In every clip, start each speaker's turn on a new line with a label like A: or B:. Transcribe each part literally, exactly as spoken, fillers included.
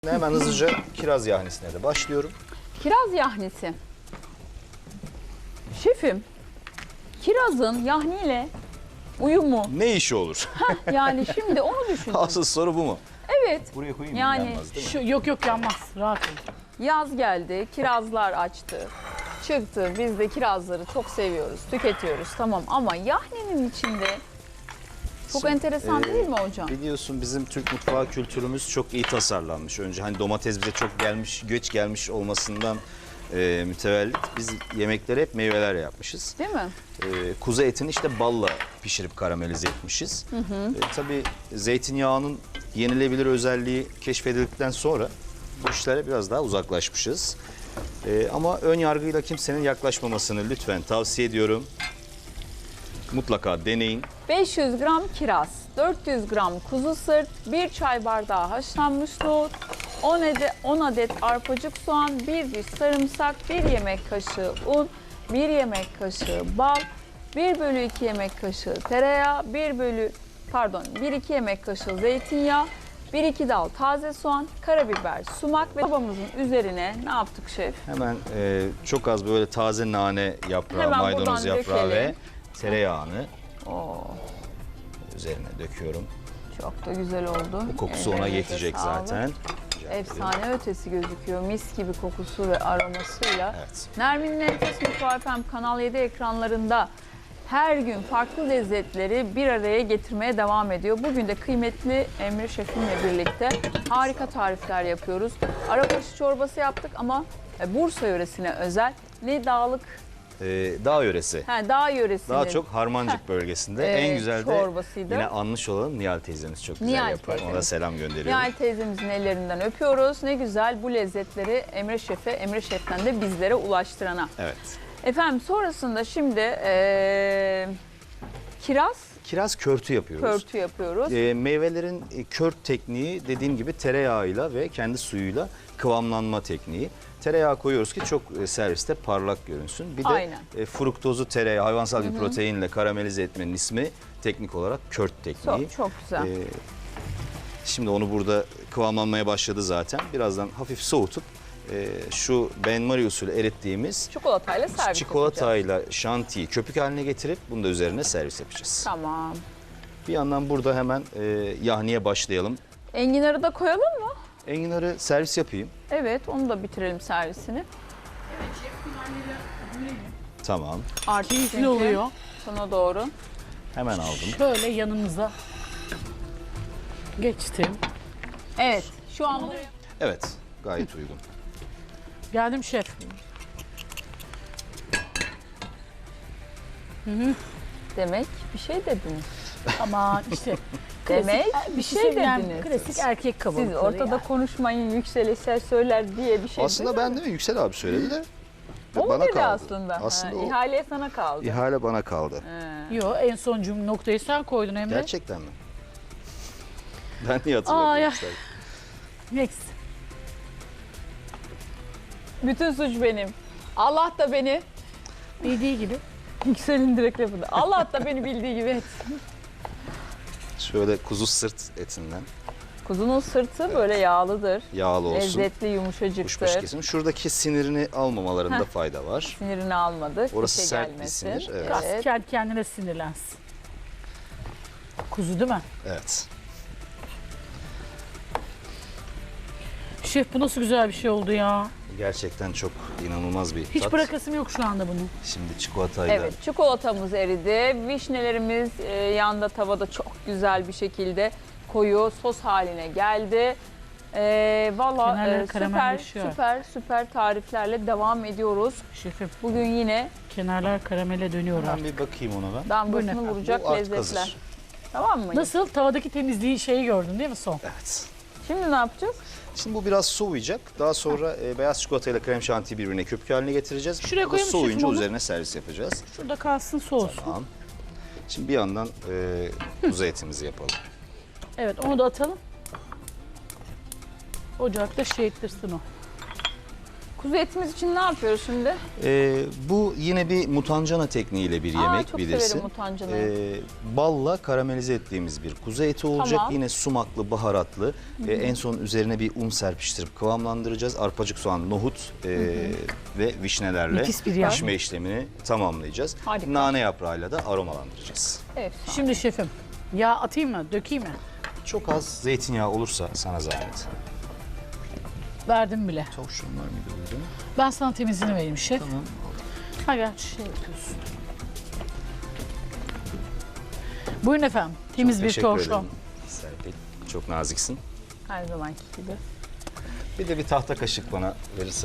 A: Hemen hızlıca kiraz yahnisine de başlıyorum.
B: Kiraz yahnisi. Şefim, kirazın yahniyle uyumu.
A: Ne işi olur?
B: Yani şimdi onu düşündüm.
A: Asıl soru bu mu?
B: Evet.
A: Buraya koyayım mı?
B: Yani
A: Yanmaz, değil mi?
C: Şu, yok yok yanmaz. Rahat ol.
B: Yaz geldi, kirazlar açtı. Çıktı. Biz de kirazları çok seviyoruz, tüketiyoruz. Tamam ama yahninin içinde çok
A: Şimdi,
B: enteresan
A: e,
B: değil mi hocam?
A: Biliyorsun bizim Türk mutfağı kültürümüz çok iyi tasarlanmış. Önce hani domates bize çok gelmiş, göç gelmiş olmasından e, mütevellit biz yemekleri hep meyveler yapmışız.
B: Değil mi?
A: E, kuzu etini işte balla pişirip karamelize etmişiz. Hı hı. E, tabii zeytinyağının yenilebilir özelliği keşfedildikten sonra bu işlere biraz daha uzaklaşmışız. E, ama ön yargıyla kimsenin yaklaşmamasını lütfen tavsiye ediyorum. Mutlaka deneyin.
B: beş yüz gram kiraz, dört yüz gram kuzu sırt, bir çay bardağı haşlanmış nohut, on adet, on adet arpacık soğan, bir diş sarımsak, bir yemek kaşığı un, bir yemek kaşığı bal, bir bölü iki yemek kaşığı tereyağı, bir bölü pardon bir iki yemek kaşığı zeytinyağı, bir iki dal taze soğan, karabiber, sumak ve tabamızın üzerine ne yaptık şef?
A: Hemen e, çok az böyle taze nane yaprağı,
B: Hemen
A: maydanoz
B: buradan
A: yaprağı
B: dökelim.
A: ve tereyağını
B: Oo,
A: üzerine döküyorum.
B: çok da güzel oldu.
A: O kokusu ona
B: Ellerinize
A: yetecek
B: sağlık.
A: zaten.
B: Efsane ötesi gözüküyor. Mis gibi kokusu ve aromasıyla.
A: Evet.
B: Nermin'in Enfes Mutfağı F M Kanal yedi ekranlarında her gün farklı lezzetleri bir araya getirmeye devam ediyor. Bugün de kıymetli Emre Şefimle birlikte harika tarifler yapıyoruz. Arabaşı çorbası yaptık ama Bursa yöresine özel. Ne dağlık,
A: Ee, dağ yöresi.
B: he, dağ yöresinin.
A: Daha çok Harmancık bölgesinde.
B: Ee,
A: en güzel de
B: çorbasıydı.
A: yine anmış olalım Nihal teyzemiz çok güzel
B: Nihal
A: yapar. Ona da
B: teyzemiz.
A: selam gönderiyorum.
B: Nihal teyzemizin ellerinden öpüyoruz. Ne güzel bu lezzetleri Emre Şef'e, Emre Şef'ten de bizlere ulaştırana.
A: Evet.
B: Efendim sonrasında şimdi eee, kiraz
A: Kiraz körtü yapıyoruz.
B: körtü yapıyoruz.
A: Ee, meyvelerin e, kört tekniği dediğim gibi tereyağıyla ve kendi suyuyla kıvamlanma tekniği. Tereyağı koyuyoruz ki çok e, serviste parlak görünsün. Bir de
B: Aynen.
A: e, fruktozu tereyağı hayvansal bir proteinle karamelize etmenin ismi teknik olarak kört tekniği.
B: Çok çok güzel.
A: Ee, şimdi onu burada kıvamlanmaya başladı zaten. Birazdan hafif soğutup e, şu benmari usulü erittiğimiz
B: Çikolatayla servis yapacağız.
A: çikolatayla şantiyi köpük haline getirip bunu da üzerine servis yapacağız.
B: Tamam.
A: Bir yandan burada hemen e, yahniye başlayalım.
B: Enginarı da koyalım mı?
A: Enginarı servis yapayım.
B: Evet, onu da bitirelim servisini.
A: Tamam.
B: Artık
C: Keyifli
B: çünkü
C: oluyor.
B: sona doğru.
A: Hemen aldım.
C: Şöyle yanımıza geçtim.
B: Evet, şu an
A: Evet. Gayet uygun.
C: Geldim şef.
B: demek bir şey dediniz.
C: Ama işte
B: Demek
C: klasik-
B: bir şey
C: sevilen
B: dediniz.
C: Klasik erkek kabalıkları.
B: Siz ortada
C: yani.
B: konuşmayın, yükselişler söyler diye bir şey
A: Aslında
B: değil mi?
A: ben değil mi? Yüksel abi söyledi de.
B: O mu
A: bana
B: dedi
A: kaldı.
B: aslında?
A: Aslında
B: ha,
A: o
B: ihale sana kaldı.
A: ihale bana kaldı.
B: Ha.
C: Yo, en son cümle noktayı sen koydun Emre.
A: Gerçekten mi? Ben niye
C: Aa,
A: hatırlamıyorum?
C: ya.
A: Yüksel?
C: Next.
B: Bütün suç benim. Allah da beni
C: Bildiği gibi.
B: Yüksel'in direkt lafında. Allah da beni bildiği gibi et.
A: Şöyle kuzu sırt etinden
B: Kuzunun sırtı böyle yağlıdır.
A: yağlı olsun.
B: Lezzetli,
A: Kuşbaşı
B: yumuşacıktır.
A: kesim. Şuradaki sinirini almamalarında
B: Heh.
A: fayda var.
B: Sinirini almadı.
A: Orası
B: fişe
A: sert bir
B: gelmesin.
A: sinir, evet.
C: Biraz
B: Evet.
C: kendi kendine sinirlensin. Kuzu değil mi?
A: Evet.
C: Şef bu nasıl güzel bir şey oldu ya.
A: Gerçekten çok inanılmaz bir
C: Hiç
A: tat.
C: bırakasım yok şu anda bunu.
A: Şimdi çikolatayla
B: Evet, çikolatamız eridi. Vişnelerimiz e, yanda tavada çok güzel bir şekilde koyu sos haline geldi. E, Valla
C: Kenarları
B: e, süper
C: karamelleşiyor.
B: süper süper tariflerle devam ediyoruz.
C: Şefim
B: Bugün yine
C: kenarlar karamele dönüyor
A: ben
C: artık.
A: bir bakayım ona ben.
B: damgasını
C: Bu ne?
B: vuracak
A: Bu artık
B: lezzetler.
A: hazır.
B: Tamam mı?
C: Nasıl? Tavadaki temizliği şeyi gördün değil mi son?
A: Evet.
B: Şimdi ne yapacağız?
A: Şimdi bu biraz soğuyacak. Daha sonra e, beyaz çikolatayla krem şantiyi birbirine köpük haline getireceğiz.
C: Şuraya
A: Bu da
C: koyayım mı şefim
A: soğuyunca
C: onu?
A: üzerine servis yapacağız.
C: Şurada kalsın soğusun.
A: Tamam. Şimdi bir yandan e, kuzu etimizi yapalım.
C: Evet, onu da atalım. Ocakta şey ettirsin o.
B: Kuzu etimiz için ne yapıyoruz şimdi?
A: Ee, bu yine bir mutancana tekniğiyle bir
B: Aa,
A: yemek
B: çok
A: bilirsin.
B: severim mutancanayı.
A: Ee, balla karamelize ettiğimiz bir kuzu eti olacak.
B: Tamam.
A: Yine sumaklı, baharatlı. Ee, en son üzerine bir un serpiştirip kıvamlandıracağız. Arpacık soğan, nohut e, ve vişnelerle
C: Nefis bir yer.
A: pişme işlemini tamamlayacağız.
B: Harika.
A: Nane yaprağıyla da aromalandıracağız.
B: Evet.
C: Şimdi şefim yağ atayım mı? Dökeyim mi?
A: Çok az zeytinyağı olursa sana zahmet.
C: Verdim bile.
A: Tavşan var mıydı burada?
C: Ben sana temizliğini vereyim şef.
A: Tamam.
C: Ha gel şey yapıyorsun. Buyurun efendim. Temiz
A: Çok
C: bir
A: teşekkür
C: torşon.
A: ederim Serpil. Çok naziksin.
B: Her zamanki gibi.
A: Bir de bir tahta kaşık bana verirsen.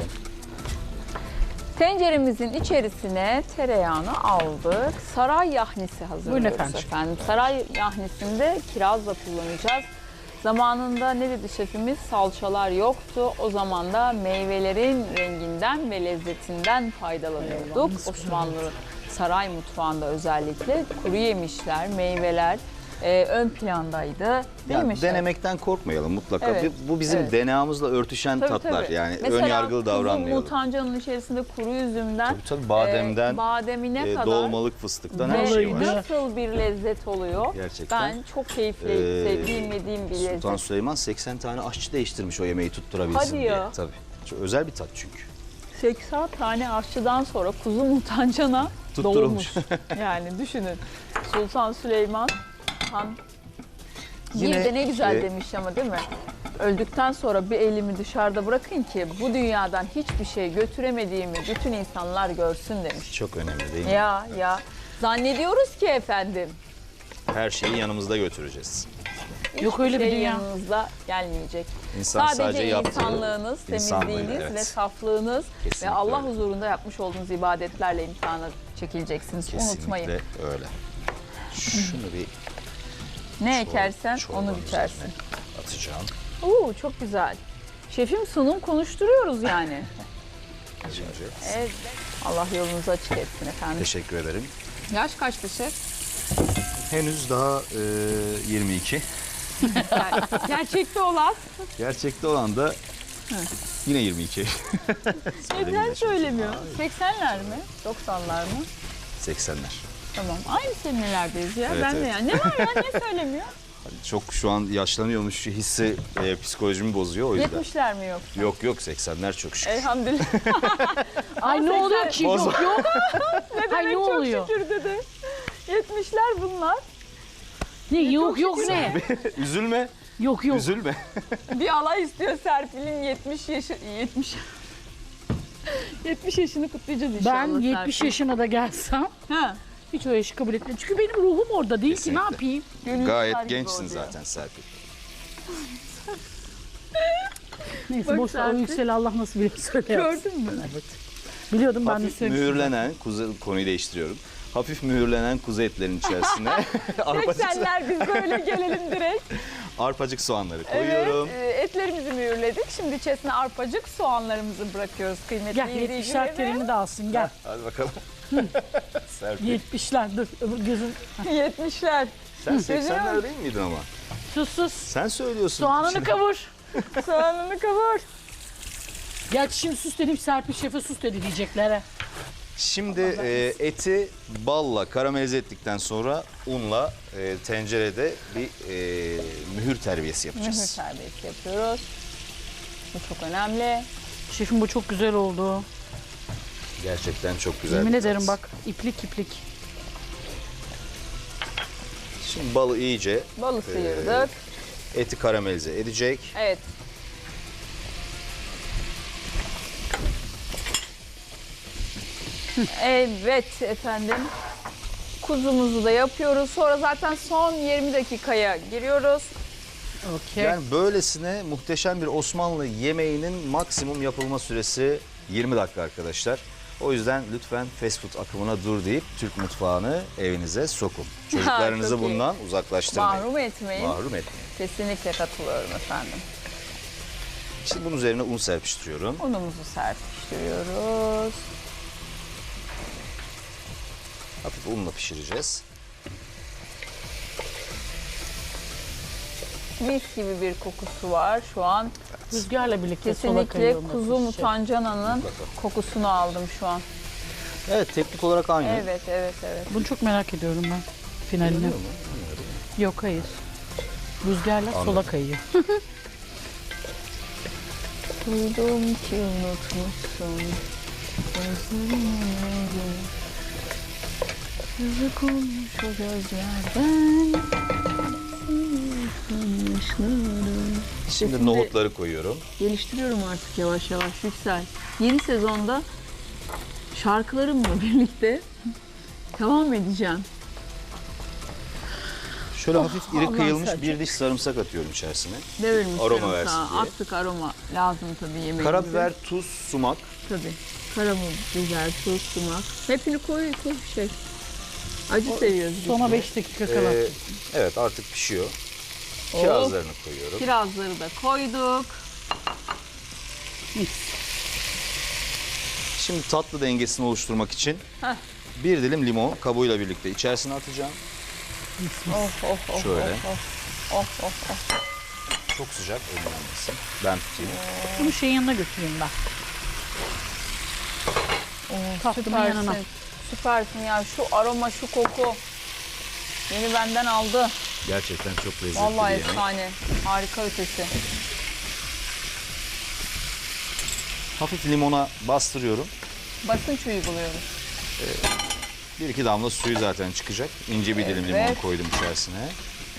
B: Tenceremizin içerisine tereyağını aldık. Saray yahnisi hazırlıyoruz
C: efendim.
B: efendim. Saray yahnisinde kirazla kullanacağız. Zamanında ne dedi şefimiz? Salçalar yoktu. O zaman da meyvelerin renginden ve lezzetinden faydalanıyorduk. Osmanlı saray mutfağında özellikle kuru yemişler, meyveler e, ön plandaydı. Değil mi
A: Yani
B: şef?
A: denemekten korkmayalım mutlaka.
B: Evet,
A: Bu- Bu bizim
B: evet.
A: D N A'mızla örtüşen
B: Tabii,
A: tatlar.
B: tabii.
A: Yani
B: Mesela
A: ön yargılı
B: kuzu
A: davranmayalım.
B: mutancanın içerisinde kuru üzümden,
A: Tabii tabii bademden,
B: e, bademine
A: e,
B: kadar
A: dolmalık fıstıktan her
C: Vallahi
A: şey var.
C: de.
B: nasıl bir lezzet oluyor?
A: Gerçekten.
B: Ben çok keyifli,
A: Ee,
B: sevdiğim, yediğim bir lezzet.
A: Sultan Süleyman seksen tane aşçı değiştirmiş o yemeği tutturabilsin
B: Hadi
A: diye.
B: ya.
A: Tabii. Çok özel bir tat çünkü.
B: seksen tane aşçıdan sonra kuzu mutancana
A: Tutturulmuş.
B: doğmuş. Yani düşünün. Sultan Süleyman Han
A: Yine,
B: bir de ne güzel
A: e,
B: demiş ama değil mi? Öldükten sonra bir elimi dışarıda bırakın ki bu dünyadan hiçbir şey götüremediğimi bütün insanlar görsün demiş.
A: Çok önemli değil mi?
B: Ya ya zannediyoruz ki efendim.
A: Her şeyi yanımızda götüreceğiz.
C: Yok öyle bir
B: şey
C: dünya.
B: yanınızda gelmeyecek.
A: İnsan
B: sadece,
A: sadece yaptığı
B: insanlığınız,
A: insanlığıyla,
B: temizliğiniz
A: evet.
B: ve saflığınız
A: Kesinlikle
B: ve Allah
A: öyle.
B: huzurunda yapmış olduğunuz ibadetlerle imtihana çekileceksiniz.
A: Kesinlikle
B: Unutmayın.
A: öyle. Şunu bir
B: Ne
A: çor-
B: ekersen
A: çorbanın
B: onu biçersin.
A: üzerine atacağım.
B: Oo çok güzel. Şefim sunum konuşturuyoruz yani.
A: Şimdi.
B: Evet. Allah yolunuzu açık etsin efendim.
A: Teşekkür ederim.
B: Yaş kaçtı şef?
A: Henüz daha e, yirmi iki.
B: Ger- Gerçekte olan.
A: Gerçekte olan da yine yirmi iki.
B: Neden söylemiyor? seksenler mi? doksanlar mı?
A: seksenler.
B: Tamam. Aynı senelerdeyiz ya.
A: Evet,
B: ben de
A: evet.
B: yani. Ne var ya? Ne söylemiyor?
A: Çok şu an yaşlanıyormuş hissi e, psikolojimi bozuyor o yüzden.
B: yetmişler mi yoksa?
A: Yok yok seksenler çok şükür.
B: Elhamdülillah.
C: Ay ne
B: seksen
C: oluyor ki?
A: Boz-
C: Yok yok. Ay ne
B: Çok
C: oluyor?
B: şükür dedi. yetmişler bunlar.
C: Ne yok yok ne?
A: Üzülme,
C: Yok yok.
A: üzülme.
B: Bir alay istiyor Serpil'in yetmiş yaşı yetmiş yetmiş yaşını kutlayacağız inşallah.
C: Ben yetmiş
B: Serpil.
C: yaşına da gelsem
B: Ha.
C: hiç o yaşı kabul etmiyorum. Çünkü benim ruhum orada değil ki
A: Kesinlikle.
C: ne yapayım?
B: Gönül
A: Gayet
B: tutar gibi
A: gençsin
B: oluyor.
A: zaten Serpil.
C: Neyse
B: Bak
C: boş ver o
B: Serpil.
C: yükseli Allah nasıl bilir söyle.
B: Gördün mü?
C: Evet. Biliyordum ben de
A: Hafif
C: söylemiştim.
A: mühürlenen, kuzu, konuyu değiştiriyorum. Hafif mühürlenen kuzu etlerinin içerisine arpacık,
B: seksenler biz böyle gelelim direkt.
A: arpacık soğanları koyuyorum.
B: Evet, e, etlerimizi mühürledik. Şimdi içerisine arpacık soğanlarımızı bırakıyoruz kıymetli
C: Gel yetmişler
B: izleyicilerimiz.
C: terini de alsın gel.
A: Hadi bakalım. Serpil.
C: yetmişler dur öbür gözün.
B: yetmişler.
A: Sen seksenler değil miydin ama?
C: Sus sus.
A: Sen söylüyorsun.
C: Soğanını
A: Şimdi-
C: kavur.
B: Soğanını kavur.
C: Gerçi şimdi sus dedim Serpil Şef'e sus dedi diyecekler. ha.
A: Şimdi e, eti balla karamelize ettikten sonra unla e, tencerede bir e, mühür terbiyesi
B: Mühür
A: yapacağız.
B: terbiyesi yapıyoruz. Bu çok önemli.
C: Şefim bu çok güzel oldu.
A: Gerçekten çok güzel.
C: Yemin
A: bir
C: ederim
A: tat.
C: bak iplik iplik.
A: Şimdi balı iyice
B: Balı sıyırdık.
A: eti karamelize edecek.
B: Evet. Evet efendim. Kuzumuzu da yapıyoruz. Sonra zaten son yirmi dakikaya giriyoruz.
C: Okey.
A: Yani böylesine muhteşem bir Osmanlı yemeğinin maksimum yapılma süresi yirmi dakika arkadaşlar. O yüzden lütfen fast food akımına dur deyip Türk mutfağını evinize sokun. Çocuklarınızı
B: çok iyi.
A: bundan uzaklaştırmayın.
B: Mahrum etmeyin.
A: Mahrum etmeyin.
B: Kesinlikle katılıyorum efendim.
A: Şimdi bunun üzerine un serpiştiriyorum.
B: Unumuzu serpiştiriyoruz.
A: Hafif unla pişireceğiz.
B: Mis gibi bir kokusu var şu an.
C: Rüzgarla birlikte sola
B: Kesinlikle
C: kayıyor.
B: kuzu
C: şef.
B: mutancananın kokusunu aldım şu an.
A: Evet, teknik olarak aynı.
B: Evet, evet, evet.
C: Bunu çok merak ediyorum ben. Finalini.
A: Biliyor musun?
C: Yok hayır. Rüzgarla sola
A: Anladım.
C: kayıyor.
B: Duydum ki unutmuşsun. Gözlerin yazık olmuş o gözlerden.
A: Şimdi
B: Şimdi-
A: nohutları koyuyorum.
B: Geliştiriyorum artık yavaş yavaş Yüksel. Yeni sezonda şarkılarımla birlikte devam edeceğim.
A: Şöyle hafif iri
B: Allah
A: kıyılmış
B: sen
A: bir diş sarımsak atıyorum içerisine.
B: Devirmiş
A: Aroma
B: sarımsağı.
A: versin diye.
B: Attık, aroma lazım tabii yemeğimize.
A: Karabiber, tuz, sumak.
B: Tabii. Karabiber, tuz, sumak. Hepsini koy, koy şey. Acı seviyoruz biz.
C: Sona beş dakika kala.
A: Ee, evet, artık pişiyor. Kirazlarını koyuyorum.
B: Kirazları da koyduk.
C: Mis.
A: Şimdi tatlı dengesini oluşturmak için
B: Heh.
A: bir dilim limon kabuğuyla birlikte içerisine atacağım.
B: Of of of.
A: Şöyle.
B: Of of of. of, of.
A: Çok sıcak, ölmesin. Ben tutayım.
C: Bunu şeyin yanına götüreyim ben. Tatlımın yanına.
B: Süpersin. Süpersin ya. Şu aroma, şu koku. Beni benden aldı.
A: Gerçekten çok lezzetli
B: Vallahi
A: bir yemek.
B: efsane. Harika ötesi.
A: Hafif limona bastırıyorum.
B: Basınç uyguluyoruz.
A: Bir iki damla suyu zaten çıkacak. İnce bir dilim
B: Evet.
A: limon koydum içerisine.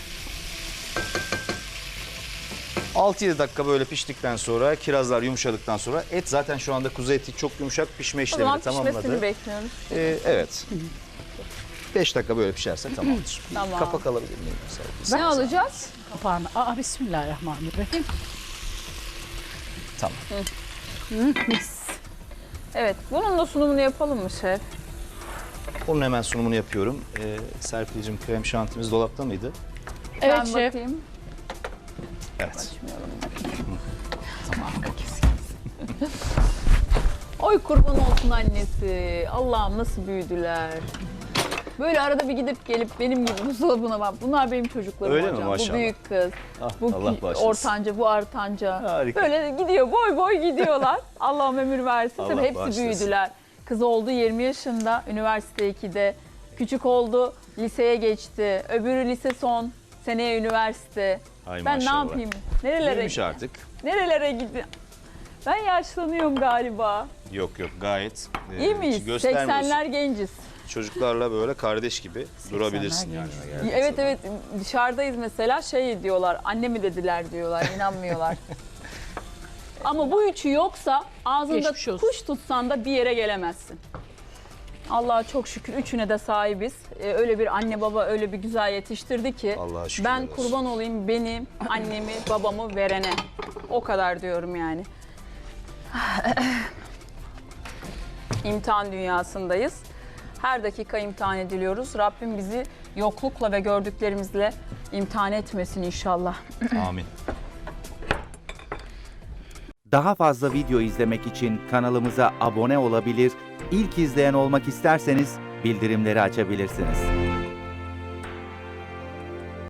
A: altı yedi dakika böyle piştikten sonra, kirazlar yumuşadıktan sonra et zaten şu anda kuzu eti çok yumuşak, pişme
B: O zaman
A: işlemini
B: pişmesini
A: tamamladı.
B: bekliyoruz.
A: Ee, evet. beş dakika böyle pişerse tamamdır. Bir
B: Tamam.
A: kapak alabilir miyim?
B: Ne alacağız?
C: Kapağını. Aa bismillahirrahmanirrahim.
A: Tamam.
C: Mis.
B: Evet. Bunun da sunumunu yapalım mı şef?
A: Onun hemen sunumunu yapıyorum. Ee, Serpil'cim, krem şantimiz dolapta mıydı?
C: Evet
B: ben
C: şef.
B: bakayım.
A: Evet.
B: Oy kurban olsun annesi. Allah'ım nasıl büyüdüler. Böyle arada bir gidip gelip benim gibi buzdolabına bak. Bunlar benim çocuklarım
A: Öyle mi?
B: hocam. Bu
A: Maşallah.
B: büyük kız.
A: Ah,
B: Bu
A: Allah
B: ki-
A: bağışlasın.
B: ortanca, bu artanca.
A: Harika.
B: Böyle gidiyor, boy boy gidiyorlar. Allah'ım ömür versin.
A: Allah
B: Tabii hepsi
A: bağışlasın.
B: büyüdüler. Kız oldu yirmi yaşında, üniversite ikide. Küçük oldu, liseye geçti. Öbürü lise son, seneye üniversite.
A: Ay
B: ben
A: maşallah.
B: ne yapayım? Nerelere
A: Büyümüş artık.
B: Nerelere gidiyorum? Ben yaşlanıyorum galiba.
A: Yok yok, gayet e,
B: İyi
A: hiç
B: miyiz?
A: göstermiyorsun.
B: seksenler genciz.
A: Çocuklarla böyle kardeş gibi durabilirsin yani.
C: genciz.
A: geldiğin
B: Evet
A: zaman.
B: evet dışarıdayız mesela şey diyorlar, anne mi dediler diyorlar, inanmıyorlar. Ama bu üçü yoksa ağzında
C: Geçmiş olsun.
B: kuş tutsan da bir yere gelemezsin. Allah'a çok şükür üçüne de sahibiz. Ee, öyle bir anne baba öyle bir güzel yetiştirdi ki
A: Allah'a şükürler
B: ben
A: olsun.
B: kurban olayım benim annemi babamı verene. O kadar diyorum yani. İmtihan dünyasındayız. Her dakika imtihan ediliyoruz. Rabbim bizi yoklukla ve gördüklerimizle imtihan etmesin inşallah.
A: Amin.
D: Daha fazla video izlemek için kanalımıza abone olabilir, ilk izleyen olmak isterseniz bildirimleri açabilirsiniz.